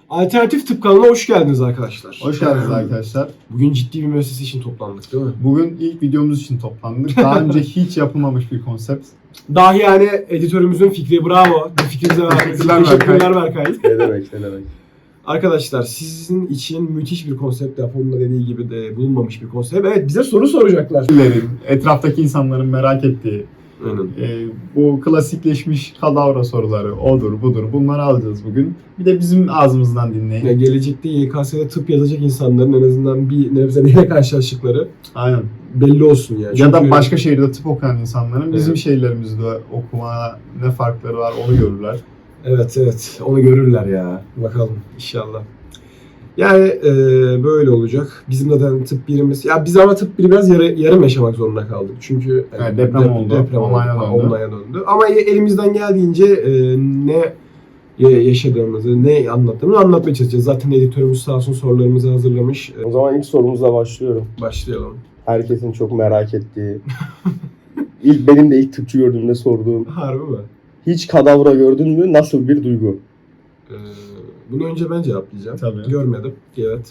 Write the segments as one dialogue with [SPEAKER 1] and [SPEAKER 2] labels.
[SPEAKER 1] Alternatif Tıp kanalına hoş geldiniz arkadaşlar.
[SPEAKER 2] Hoş geldiniz arkadaşlar.
[SPEAKER 1] Bugün ciddi bir müessese için toplandık değil mi?
[SPEAKER 2] Bugün ilk videomuz için toplandık. Daha önce hiç yapılmamış bir konsept.
[SPEAKER 1] Dahi yani editörümüzün fikri, bravo. Bu fikrinize verdiğiniz için teşekkürler Berkay.
[SPEAKER 3] Ne demek.
[SPEAKER 1] Arkadaşlar sizin için müthiş bir konsept, Apo'nun da dediği gibi de bulunmamış bir konsept. Evet, bize soru soracaklar.
[SPEAKER 2] Etraftaki insanların merak ettiği bu klasikleşmiş kadavra soruları odur budur bunları alacağız bugün. Bir de bizim ağzımızdan dinleyin.
[SPEAKER 1] Ya gelecekte YKS'de tıp yazacak insanların en azından bir nebze neyle karşılaştıkları
[SPEAKER 2] Aynen.
[SPEAKER 1] belli olsun yani.
[SPEAKER 2] Ya da başka şehirde tıp okuyan insanların bizim
[SPEAKER 1] Evet.
[SPEAKER 2] şehirlerimizde okumaya ne farkları var onu görürler.
[SPEAKER 1] Evet. Onu görürler ya. Bakalım inşallah. Yani böyle olacak. Bizim zaten tıp birimiz... Ya biz ama tıp biri biraz yarım yaşamak zorunda kaldık. Çünkü
[SPEAKER 2] Evet, deprem oldu.
[SPEAKER 1] Deprem
[SPEAKER 2] Online'a
[SPEAKER 1] döndü. Ama elimizden geldiğince ne yaşadığımızı, ne anlattığımızı anlatmaya çalışacağız. Zaten editörümüz sağ olsun sorularımızı hazırlamış.
[SPEAKER 3] O zaman ilk sorumuzla başlıyorum.
[SPEAKER 1] Başlayalım.
[SPEAKER 3] Herkesin çok merak ettiği. Benim de ilk tıpçı gördüğümde sorduğum.
[SPEAKER 1] Harbi mi?
[SPEAKER 3] Hiç kadavra gördün mü? Nasıl bir duygu?
[SPEAKER 1] Bunu önce ben cevaplayacağım.
[SPEAKER 2] Tabii.
[SPEAKER 1] Görmedim. Evet.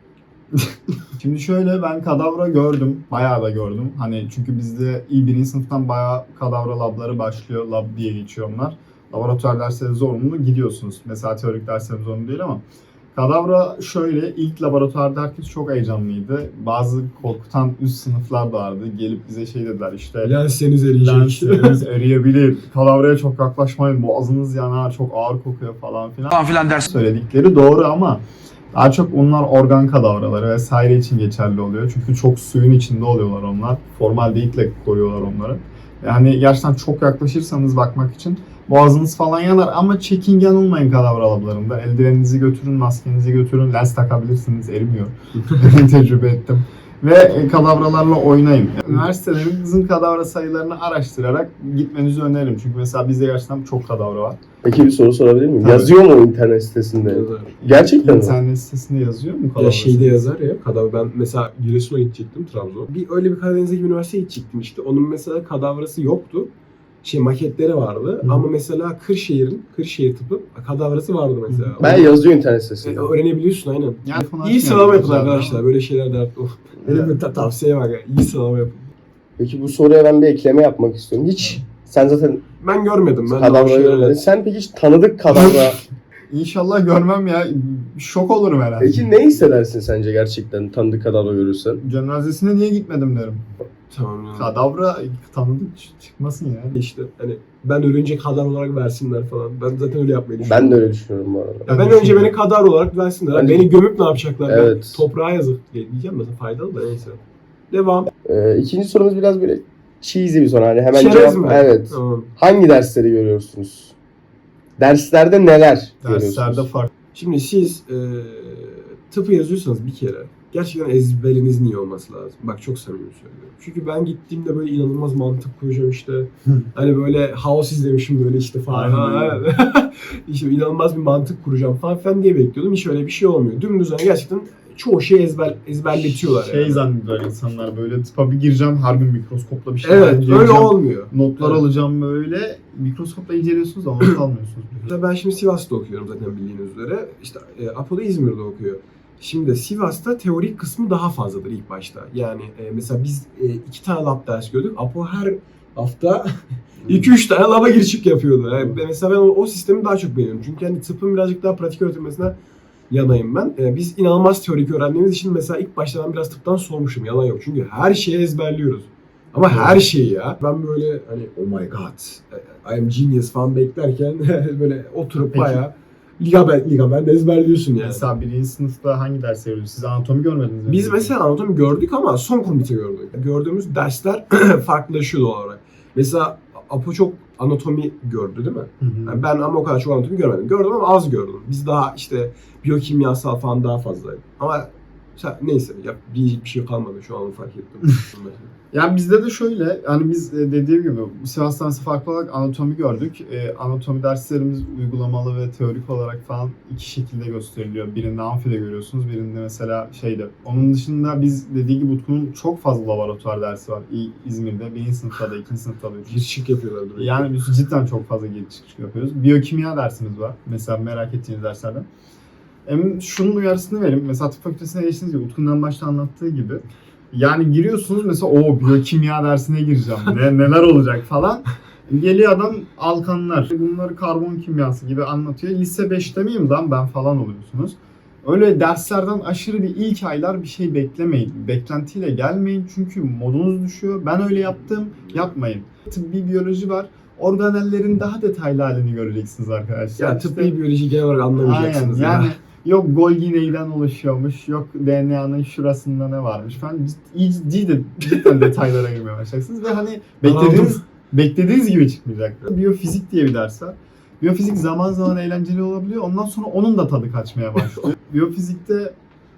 [SPEAKER 2] Şimdi şöyle, ben kadavra gördüm. Bayağı da gördüm. Hani çünkü bizde birinci sınıftan bayağı kadavra labları başlıyor. Lab diye geçiyor onlar. Laboratuvar dersleri zorunlu, gidiyorsunuz. Mesela teorik derslerimiz zorunlu değil ama kadavra şöyle, ilk laboratuvarda herkes çok heyecanlıydı. Bazı korkutan üst sınıflar da vardı. Gelip bize şey dediler işte.
[SPEAKER 1] Lenseniz eriyecek.
[SPEAKER 2] Lensleriniz eriyebilir. Kadavraya çok yaklaşmayın. Boğazınız yanar. Çok ağır kokuyor falan filan ders söyledikleri doğru ama daha çok onlar organ kadavraları vesaire için geçerli oluyor. Çünkü çok suyun içinde oluyorlar onlar. Formaldehit'le koruyorlar onları. Yani gerçekten çok yaklaşırsanız bakmak için boğazınız falan yanar ama çekingen olmayın kadavra lablarında. Eldiveninizi götürün, maskenizi götürün, lens takabilirsiniz, erimiyor. Tecrübe ettim. Ve kadavralarla oynayın. Üniversitelerinizin kadavra sayılarını araştırarak gitmenizi öneririm. Çünkü mesela bizde gerçekten çok kadavra var.
[SPEAKER 3] Peki bir soru sorabilir miyim?
[SPEAKER 2] Tabii.
[SPEAKER 3] Yazıyor mu o internet sitesinde?
[SPEAKER 1] Yazar.
[SPEAKER 3] Gerçekten mi?
[SPEAKER 2] İnternet sitesinde yazıyor mu kadavra
[SPEAKER 1] Ya şeyde
[SPEAKER 2] sayısı?
[SPEAKER 1] yazar ya, kadavra. Ben mesela Giresun'a gidecektim, Trabzon. Öyle bir Karadeniz'e bir üniversiteye gidecektim işte. Onun mesela kadavrası yoktu. Maketleri vardı.
[SPEAKER 2] Hı.
[SPEAKER 1] Ama mesela Kırşehir tıpı kadavrası vardı mesela.
[SPEAKER 3] Ben yazıyor internet sitesinde.
[SPEAKER 1] Öğrenebiliyorsun aynen.
[SPEAKER 2] Yani
[SPEAKER 1] İyi sıralama yapın
[SPEAKER 2] güzel
[SPEAKER 1] arkadaşlar.
[SPEAKER 2] ama-
[SPEAKER 1] Böyle şeyler de benim tavsiye var ya. İyi sıralama yapın.
[SPEAKER 3] Peki bu soruya ben bir ekleme yapmak istiyorum. Hiç sen zaten
[SPEAKER 1] Ben görmedim. Ben de o
[SPEAKER 3] kadavra
[SPEAKER 1] şeyleri-
[SPEAKER 3] görmedin. Sen peki hiç tanıdık kadavra.
[SPEAKER 2] İnşallah görmem ya. Şok olurum herhalde.
[SPEAKER 3] Peki ne hissedersin sence gerçekten tanıdık kadavra görürsen?
[SPEAKER 2] Cenazesine niye gitmedim derim.
[SPEAKER 1] Tamam yani.
[SPEAKER 2] Kadavra tanıdık çıkmasın ya.
[SPEAKER 1] İşte hani ben ölünce kadar olarak versinler falan. Ben zaten öyle yapmayı düşünüyorum.
[SPEAKER 3] Ben de öyle düşünüyorum bu arada.
[SPEAKER 1] Ya ben önce beni kadar olarak versinler.
[SPEAKER 3] Hani-
[SPEAKER 1] Beni gömüp ne yapacaklar?
[SPEAKER 3] Evet.
[SPEAKER 1] Ben toprağa yazık diyeceğim mesela, faydalı da neyse. Devam.
[SPEAKER 3] İkinci sorumuz biraz böyle cheesy bir soru. Hani hemen
[SPEAKER 1] Çerez
[SPEAKER 3] cevap.
[SPEAKER 1] mi?
[SPEAKER 3] Evet.
[SPEAKER 1] Tamam.
[SPEAKER 3] Hangi dersleri görüyorsunuz? Derslerde neler görüyorsunuz?
[SPEAKER 2] Derslerde farklı.
[SPEAKER 1] Şimdi siz tıpı yazıyorsanız bir kere gerçekten ezberinizin iyi olması lazım. Bak çok samimi söylüyorum. Çünkü ben gittiğimde böyle inanılmaz mantık kuracağım işte. Hani böyle House izlemişim böyle işte falan.
[SPEAKER 2] Aynen.
[SPEAKER 1] İşte inanılmaz bir mantık kuracağım falan diye bekliyordum. Hiç öyle bir şey olmuyor. Dümdüz hani gerçekten çoğu şeyi ezberletiyorlar
[SPEAKER 2] Şey
[SPEAKER 1] yani.
[SPEAKER 2] zannediyorlar insanlar, böyle tıpa bir gireceğim, her gün mikroskopla bir şey
[SPEAKER 1] Evet, öyle
[SPEAKER 2] inceleyeceğim.
[SPEAKER 1] olmuyor.
[SPEAKER 2] Notlar
[SPEAKER 1] Evet.
[SPEAKER 2] alacağım böyle. Mikroskopla inceliyorsunuz ama not almıyorsunuz.
[SPEAKER 1] Mesela ben şimdi Sivas'ta okuyorum zaten bildiğiniz üzere. İşte Apo'da İzmir'de okuyor. Şimdi Sivas'ta teorik kısmı daha fazladır ilk başta. Yani mesela biz 2 tane lab ders gördük. Apo her hafta 2-3 tane lab'a gir çık yapıyordu. Yani mesela ben o sistemi daha çok beğeniyorum. Çünkü hani tıpın birazcık daha pratik öğretilmesine yanayım ben. Biz inanılmaz teorik öğrendiğimiz için mesela ilk başta ben biraz tıptan soğumuşum. Yalan yok. Çünkü her şeyi ezberliyoruz. Ama her şeyi ya. Ben böyle hani oh my god, I am genius falan beklerken böyle oturup
[SPEAKER 2] Peki.
[SPEAKER 1] bayağı ligament ezberliyorsun yani.
[SPEAKER 2] Mesela birinci sınıfta hangi ders veriyorsunuz? Siz anatomi görmediniz mi?
[SPEAKER 1] Biz mesela anatomi gördük ama son komite gördük. Gördüğümüz dersler farklılaşıyor doğal olarak. Mesela Apo çok anatomi gördü değil mi?
[SPEAKER 2] Hı hı.
[SPEAKER 1] Yani ben ama o kadar çok anatomi görmedim. Gördüm ama az gördüm. Biz daha işte biyokimyasal falan daha fazla. Ama neyse diyecek bir şey kalmadı şu an, fark ettim.
[SPEAKER 2] Yani bizde de şöyle, yani biz dediğim gibi Sivas Dersi farklı olarak anatomi gördük. Anatomi derslerimiz uygulamalı ve teorik olarak falan iki şekilde gösteriliyor. Birinde amfide görüyorsunuz, birinde mesela şeyde. Onun dışında biz dediği gibi Utku'nun çok fazla laboratuvar dersi var. İzmir'de, birinci sınıfta da, ikinci sınıfta da.
[SPEAKER 1] Gir çık yapıyorlar direkt.
[SPEAKER 2] Yani biz cidden çok fazla giriş çıkış yapıyoruz. Biyokimya dersimiz var. Mesela merak ettiğiniz derslerden. Hem şunun uyarısını vereyim. Mesela tıp fakültesine geçtiğiniz gibi Utku'nun başta anlattığı gibi. Yani giriyorsunuz mesela o biyokimya dersine gireceğim. Neler olacak falan. Geliyor adam alkanlar. Bunları karbon kimyası gibi anlatıyor. Lise 5'te miyim lan ben falan oluyorsunuz. Öyle derslerden aşırı bir ilk aylar bir şey beklemeyin. Beklentiyle gelmeyin çünkü modunuz düşüyor. Ben öyle yaptım, yapmayın. Tıbbi biyoloji var. Organellerin daha detaylı halini göreceksiniz arkadaşlar.
[SPEAKER 1] Ya tıbbi biyoloji genel olarak anlamayacaksınız.
[SPEAKER 2] Aynen,
[SPEAKER 1] ya.
[SPEAKER 2] yani yok Golgi neyden oluşuyormuş, yok DNA'nın şurasında ne varmış falan. Cidden detaylara girmeye başlayacaksınız ve hani beklediğiniz gibi çıkmayacak. Biyofizik diye bir ders var. Biyofizik zaman zaman eğlenceli olabiliyor. Ondan sonra onun da tadı kaçmaya başlıyor. Biyofizikte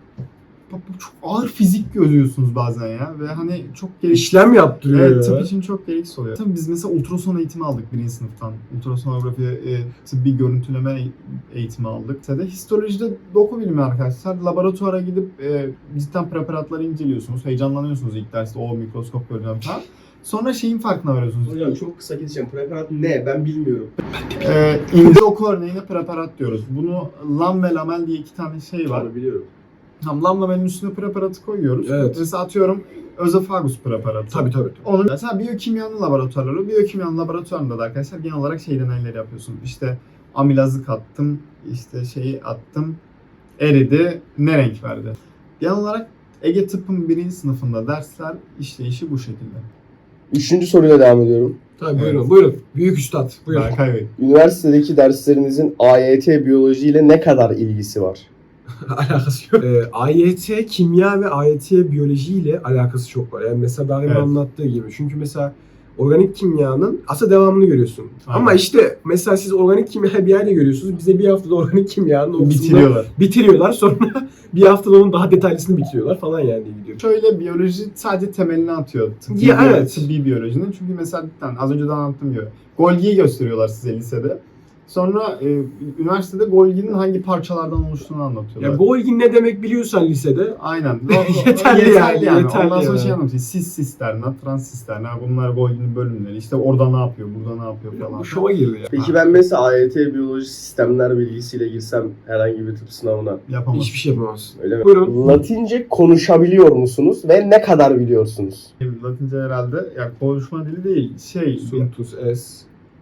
[SPEAKER 2] çok ağır fizik görüyorsunuz bazen ya ve hani çok gereksiz.
[SPEAKER 1] İşlem yaptırıyor
[SPEAKER 2] Evet,
[SPEAKER 1] ya.
[SPEAKER 2] tıp için çok gereksiz oluyor. Tabii biz mesela ultrason eğitimi aldık birinci sınıftan. Ultrasonografi, tıbbi görüntüleme eğitimi aldık. Mesela histolojide doku bilimi arkadaşlar. Laboratuvara gidip cidden preparatları inceliyorsunuz. Heyecanlanıyorsunuz ilk derste. O mikroskop göreceğim falan. Sonra şeyin farkına varıyorsunuz.
[SPEAKER 3] Hocam çok kısa keseceğim. Preparat ne? Ben bilmiyorum.
[SPEAKER 2] İnce doku örneğine preparat diyoruz. Bunu lam ve lamel diye iki tane şey var.
[SPEAKER 3] Onu biliyorum.
[SPEAKER 2] Tam lam lamelin üstüne preparatı koyuyoruz.
[SPEAKER 1] Evet.
[SPEAKER 2] Mesela atıyorum özofagus preparatı.
[SPEAKER 1] Tabii.
[SPEAKER 2] Onun mesela biyokimyanın laboratuvarları. Biyokimyanın laboratuvarında da arkadaşlar genel olarak şey deneyleri yapıyorsun. İşte amilazı kattım, işte şeyi attım, eridi, ne renk verdi. Genel olarak Ege Tıp'ın birinci sınıfında dersler işleyişi bu şekilde.
[SPEAKER 3] 3. soruyla devam ediyorum.
[SPEAKER 1] Tabii
[SPEAKER 2] Evet.
[SPEAKER 1] buyurun. Büyük üstad. Buyurun.
[SPEAKER 2] Berkay Bey.
[SPEAKER 3] Üniversitedeki derslerinizin AYT biyoloji ile ne kadar ilgisi var?
[SPEAKER 1] Alakası yok. AYT kimya ve AYT biyoloji ile alakası çok var. Yani mesela daha önce
[SPEAKER 2] Evet.
[SPEAKER 1] anlattığı gibi. Çünkü mesela organik kimyanın aslında devamını görüyorsun.
[SPEAKER 2] Aynen.
[SPEAKER 1] Ama işte mesela siz organik kimyayı bir yerde görüyorsunuz. Bize bir haftada organik kimyanın o kısmını bitiriyorlar. Sonra bir haftada onun daha detaylısını bitiriyorlar falan yani diye gidiyor.
[SPEAKER 2] Şöyle biyoloji sadece temelini atıyor. Tıbbi biyolojinin. Çünkü mesela az önce de anlattığım gibi Golgi'yi gösteriyorlar size lisede. Sonra üniversitede Golgi'nin hangi parçalardan oluştuğunu anlatıyorlar.
[SPEAKER 1] Ya Golgi ne demek biliyorsan lisede
[SPEAKER 2] Aynen.
[SPEAKER 1] Yeterli yani.
[SPEAKER 2] Ondan sonra
[SPEAKER 1] yani.
[SPEAKER 2] şey anlatıyor. Cis sisterna, trans sisterna. Bunlar Golgi'nin bölümleri. İşte orada ne yapıyor, burada ne yapıyor falan.
[SPEAKER 1] Bu şova girdi ya.
[SPEAKER 3] Peki ben mesela AYT biyoloji sistemler bilgisiyle girsem herhangi bir tıp sınavına
[SPEAKER 2] Yapamaz.
[SPEAKER 1] Hiçbir şey yapamazsın.
[SPEAKER 3] öyle mi?
[SPEAKER 1] Buyurun.
[SPEAKER 3] Latince konuşabiliyor musunuz ve ne kadar biliyorsunuz?
[SPEAKER 2] Latince herhalde yani konuşma dili değil.
[SPEAKER 1] Suntus es.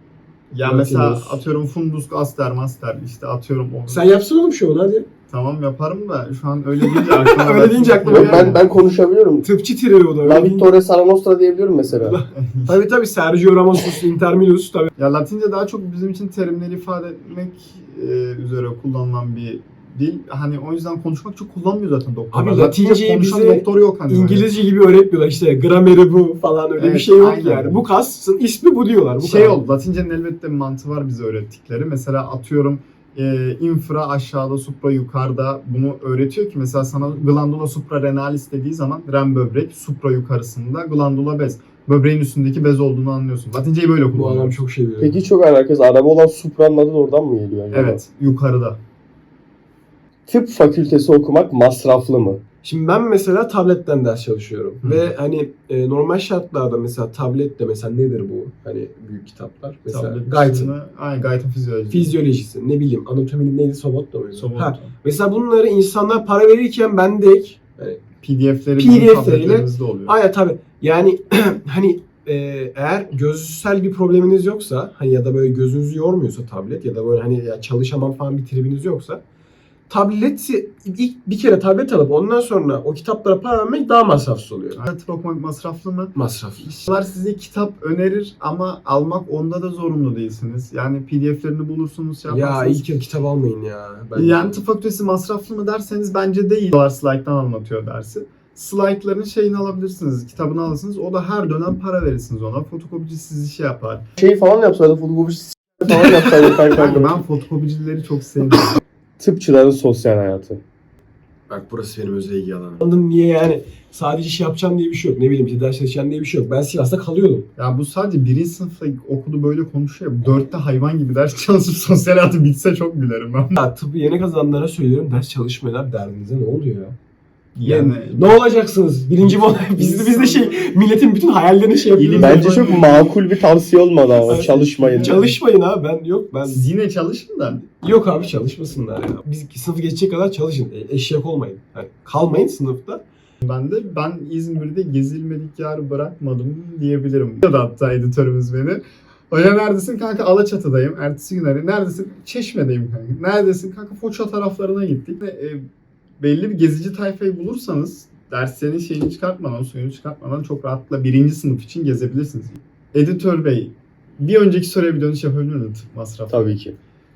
[SPEAKER 2] Ya mesela
[SPEAKER 1] Latinus.
[SPEAKER 2] atıyorum fundus, aster, master işte atıyorum o.
[SPEAKER 1] Sen yapsana oğlum şovunu hadi.
[SPEAKER 2] Tamam yaparım da şu an öyle deyince aklıma
[SPEAKER 1] Öyle deyince aklıma
[SPEAKER 3] Yok,
[SPEAKER 1] geldi.
[SPEAKER 3] ben konuşabiliyorum.
[SPEAKER 1] Tıpçı tiri o da.
[SPEAKER 3] La Vittoria Sala Nostra diyebiliyorum mesela.
[SPEAKER 1] Tabii Sergio Ramos'us, Inter Milos tabii.
[SPEAKER 2] Ya Latince daha çok bizim için terimleri ifade etmek üzere kullanılan bir dil. Hani o yüzden konuşmak çok kullanmıyor zaten doktorlar.
[SPEAKER 1] Abi Latinceyi
[SPEAKER 2] konuşan
[SPEAKER 1] bize
[SPEAKER 2] doktor yok hani.
[SPEAKER 1] İngilizce gibi öğretmiyorlar işte grameri bu falan öyle bir
[SPEAKER 2] Evet,
[SPEAKER 1] şey yok
[SPEAKER 2] aynen.
[SPEAKER 1] yani. Bu kasın ismi bu diyorlar. Bu
[SPEAKER 2] Şey
[SPEAKER 1] kadar.
[SPEAKER 2] oldu. Latince'nin elbette bir mantığı var bize öğrettikleri. Mesela atıyorum infra aşağıda, supra yukarıda bunu öğretiyor ki mesela sana glandula suprarenalis dediği zaman ren böbrek, supra yukarısında glandula bez. Böbreğin üstündeki bez olduğunu anlıyorsun. Latinceyi böyle
[SPEAKER 1] Bu adam
[SPEAKER 2] kullanıyor.
[SPEAKER 1] çok şey biliyor.
[SPEAKER 3] Peki çok alakası. Araba olan Supra'nın adı da oradan mı geliyor acaba?
[SPEAKER 2] Evet, yukarıda.
[SPEAKER 3] Tıp fakültesi okumak masraflı mı?
[SPEAKER 1] Şimdi ben mesela tabletten ders çalışıyorum.
[SPEAKER 2] Hı.
[SPEAKER 1] Ve hani normal şartlarda mesela tablette mesela nedir bu? Hani büyük kitaplar. Mesela
[SPEAKER 2] Tablet
[SPEAKER 1] Guyton.
[SPEAKER 2] dışında- Aynen Guyton fizyoloji.
[SPEAKER 1] Fizyolojisi, ne bileyim anatominin neydi? Sobotta mıydı?
[SPEAKER 2] Sobotta.
[SPEAKER 1] Ha, mesela bunları insanlar para verirken ben de yani
[SPEAKER 2] PDF'leri
[SPEAKER 1] PDF'leriyle-
[SPEAKER 2] bizim tabletlerimizde oluyor.
[SPEAKER 1] aynen tabii. Yani hani eğer gözsel bir probleminiz yoksa hani ya da böyle gözünüzü yormuyorsa tablet ya da böyle hani ya çalışamam falan bir tribiniz yoksa tableti ilk bir kere tablet alıp ondan sonra o kitaplara para vermek daha masrafsız oluyor.
[SPEAKER 2] Tıp okumak masraflı mı?
[SPEAKER 1] Masraflı.
[SPEAKER 2] İşçiler size kitap önerir ama almak onda da zorunlu değilsiniz. Yani PDF'lerini bulursunuz,
[SPEAKER 1] Ya
[SPEAKER 2] yaparsınız.
[SPEAKER 1] ilk yıl kitap almayın ya.
[SPEAKER 2] Yani tıp fakültesi masraflı mı derseniz bence değil. Slide'dan anlatıyor dersi. Slide'ların şeyini alabilirsiniz, kitabını alırsınız. O da her dönem para verirsiniz ona. Fotokopici sizi şey yapar.
[SPEAKER 3] Şey falan yapsaydı, futbolcu falan yapsaydı
[SPEAKER 2] Kanka
[SPEAKER 3] kanka.
[SPEAKER 2] ben fotokopicileri çok sevmiyorum.
[SPEAKER 3] Tıpçıların sosyal hayatı.
[SPEAKER 1] Bak burası benim özel ilgi alanım. Anladın niye yani? Sadece şey yapacağım diye bir şey yok. Ne bileyim işte ders çalışacağım diye bir şey yok. Ben Sivas'ta kalıyordum.
[SPEAKER 2] Ya bu sadece birinci sınıfta okudu böyle konuşuyor. 4'te hayvan gibi ders çalışıp sosyal hayatı bitse çok gülerim ben.
[SPEAKER 1] Ya tıbbı yeni kazananlara söylüyorum ders çalışmayanlar derdinize ne oluyor ya? Yani ne olacaksınız? Birinci mi olay? Biz de şey milletin bütün hayallerini şey yapıyoruz.
[SPEAKER 3] Bence çok makul bir tavsiye olmadı ama çalışmayın.
[SPEAKER 1] Çalışmayın abi ben
[SPEAKER 2] Siz yine çalışın da.
[SPEAKER 1] yok abi çalışmasınlar ya. Biz sınıfı geçecek kadar çalışın. Eşek olmayın. Yani kalmayın sınıfta.
[SPEAKER 2] Ben İzmir'de gezilmedik yer bırakmadım diyebilirim. Ya da hatta editörümüz beni. Hoca neredesin? Kanka Alaçatı'dayım. Ertesi gün arıyor. Neredesin? Çeşme'deyim kanka. Neredesin? Kanka Foça taraflarına gittik. Belli bir gezici tayfayı bulursanız derslerin şeyini çıkartmadan, suyunu çıkartmadan çok rahatla birinci sınıf için gezebilirsiniz. Editör Bey, bir önceki soruya bir dönüş yapabilir miyim? Tıp masrafı.
[SPEAKER 3] Tabii ki.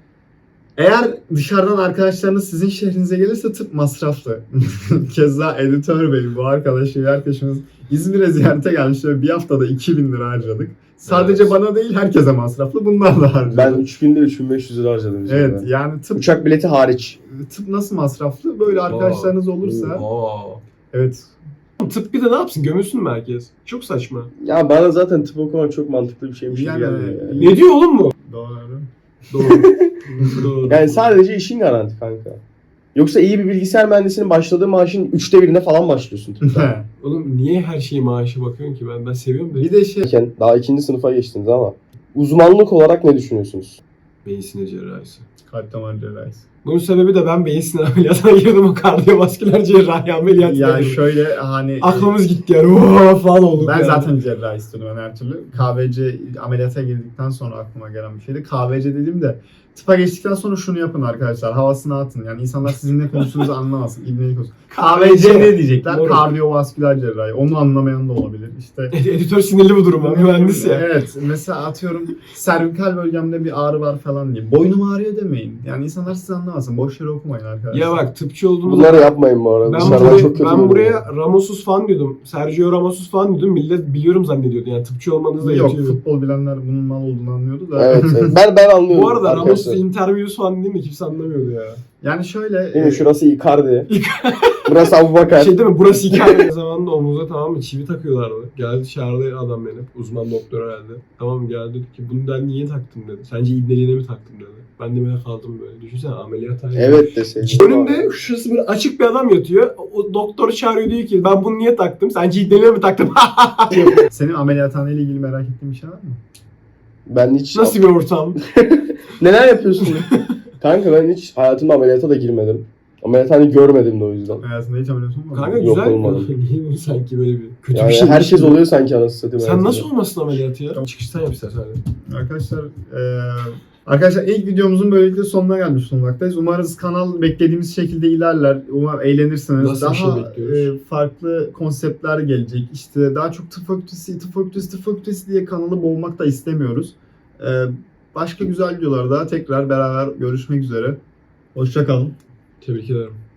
[SPEAKER 2] Eğer dışarıdan arkadaşlarınız sizin şehrinize gelirse tıp masraflı. Keza Editör Bey, bu arkadaşımız İzmir'e ziyarete gelmiş ve bir haftada 2000 lira harcadık. Sadece
[SPEAKER 1] Evet.
[SPEAKER 2] bana değil herkese masraflı. Bunlar da harcadık.
[SPEAKER 3] Ben 3 günde 3500 lira harcadım.
[SPEAKER 2] Evet
[SPEAKER 3] üzerine.
[SPEAKER 2] yani
[SPEAKER 3] Uçak bileti hariç.
[SPEAKER 2] tıp nasıl masraflı? Böyle arkadaşlarınız olursa.
[SPEAKER 1] Aa.
[SPEAKER 2] Evet.
[SPEAKER 1] Tıp bir de ne yapsın? Gömülsün mü herkes? Çok saçma.
[SPEAKER 3] Ya bana zaten tıp okumak çok mantıklı bir şeymiş gibi
[SPEAKER 2] Yani-
[SPEAKER 3] geldi.
[SPEAKER 1] Ne diyor oğlum bu?
[SPEAKER 2] Doğru.
[SPEAKER 1] Doğru. Doğru.
[SPEAKER 3] Yani sadece işin garanti kanka. Yoksa iyi bir bilgisayar mühendisinin başladığı maaşın 1/3'ine falan başlıyorsun tıpta.
[SPEAKER 1] Oğlum niye her şeyi maaşa bakıyorsun ki? Ben seviyorum da.
[SPEAKER 2] Bir de şey
[SPEAKER 3] Daha 2. sınıfa geçtiniz ama uzmanlık olarak ne düşünüyorsunuz?
[SPEAKER 1] Beyin sinir cerrahisi.
[SPEAKER 2] kalp damar cerrahisi.
[SPEAKER 1] Bunun sebebi de ben beyin sinir ameliyatına girdim. O kardiyovasküler cerrahi ameliyatına
[SPEAKER 2] Yani
[SPEAKER 1] girdim.
[SPEAKER 2] şöyle hani
[SPEAKER 1] Aklımız gitti yani. Ooo falan olduk
[SPEAKER 2] ben
[SPEAKER 1] yani.
[SPEAKER 2] zaten cerrahi istiyordum ben her türlü. KVC ameliyata girdikten sonra aklıma gelen bir şeydi. KVC dediğimde tıpa geçtikten sonra şunu yapın arkadaşlar. Havasını atın. Yani insanlar sizin ne konuştuğunuzu anlamasın. İbnelik olsun. KVC ne diyecekler?
[SPEAKER 1] Doğru.
[SPEAKER 2] Kardiyovasküler cerrahi. Onu anlamayan da olabilir. İşte
[SPEAKER 1] Editör sinirli bu duruma. Mühendis ya.
[SPEAKER 2] Evet. Mesela atıyorum servikal bölgemde bir ağrı var falan diye. Boynum ağrıyor demeyin. Yani insanlar sizi anlamasın. Boş yere okumayın arkadaşlar.
[SPEAKER 1] Ya bak tıpçı olduğumuz
[SPEAKER 3] Bunları yapmayın bu arada.
[SPEAKER 1] Ben
[SPEAKER 3] Dışarıdan
[SPEAKER 1] buraya,
[SPEAKER 3] çok kötü
[SPEAKER 1] ben
[SPEAKER 3] görünüyor.
[SPEAKER 1] buraya Ramos'uz falan diyordum. Sergio Ramos'uz falan diyordum. Millet biliyorum zannediyordu. Yani tıpçı olmanız da
[SPEAKER 2] Yok
[SPEAKER 1] yetiyor.
[SPEAKER 2] futbol bilenler bunun mal olduğunu anlıyordu da.
[SPEAKER 3] Evet, evet. Ben anlıyorum.
[SPEAKER 1] Bu arada
[SPEAKER 3] arkadaşlar.
[SPEAKER 1] Ramos'uz interviews falan değil mi? Kimse anlamıyordu ya.
[SPEAKER 2] Yani şöyle
[SPEAKER 3] Değil mi? Şurası Icardi. Burası Abubakar.
[SPEAKER 1] Şey değil mi? Burası hikaye. Zamanında omuza tamam mı? Çivi takıyorlardı. Geldi çağırdı adam beni. Uzman doktor herhalde. Tamam geldi dedi ki bunu ben niye taktım dedi. Sence ibneliğine mi taktım dedi. Ben de böyle kaldım böyle. Düşünsene ameliyathane.
[SPEAKER 3] Evet deseydin.
[SPEAKER 1] Önümde şurası böyle açık bir adam yatıyor. O doktor çağırıyor diyor ki ben bunu niye taktım? Sence ibneliğine mi taktım?
[SPEAKER 2] senin ameliyathaneyle ilgili merak ettiğin bir şey var mı?
[SPEAKER 3] Ben hiç...
[SPEAKER 1] Nasıl bir ortam?
[SPEAKER 3] Neler yapıyorsun? Kanka ben hiç hayatımda ameliyata da girmedim. Ameliyathane görmedim de o yüzden.
[SPEAKER 2] Hayatında hiç ameliyat olmadı mı?
[SPEAKER 1] Kanka
[SPEAKER 3] Yok,
[SPEAKER 1] güzel.
[SPEAKER 3] olmadı.
[SPEAKER 1] Niye bunu sanki böyle bir kötü
[SPEAKER 3] Yani
[SPEAKER 1] bir şey?
[SPEAKER 3] herkes oluyor sanki anasını satayım.
[SPEAKER 1] Sen
[SPEAKER 3] hayatında.
[SPEAKER 1] nasıl olmasın ameliyatı ya? Çıkıştan yap istersen.
[SPEAKER 2] Arkadaşlar ilk videomuzun böylelikle sonuna gelmiş bulunmaktayız. Umarız kanal beklediğimiz şekilde ilerler. Umarım eğlenirsiniz.
[SPEAKER 1] Nasıl bir şey
[SPEAKER 2] Daha
[SPEAKER 1] bekliyoruz?
[SPEAKER 2] farklı konseptler gelecek. İşte daha çok tıp fakültesi diye kanalı boğmak da istemiyoruz. Başka güzel videolarda tekrar beraber görüşmek üzere. Hoşça kalın.
[SPEAKER 1] Tebrik ederim.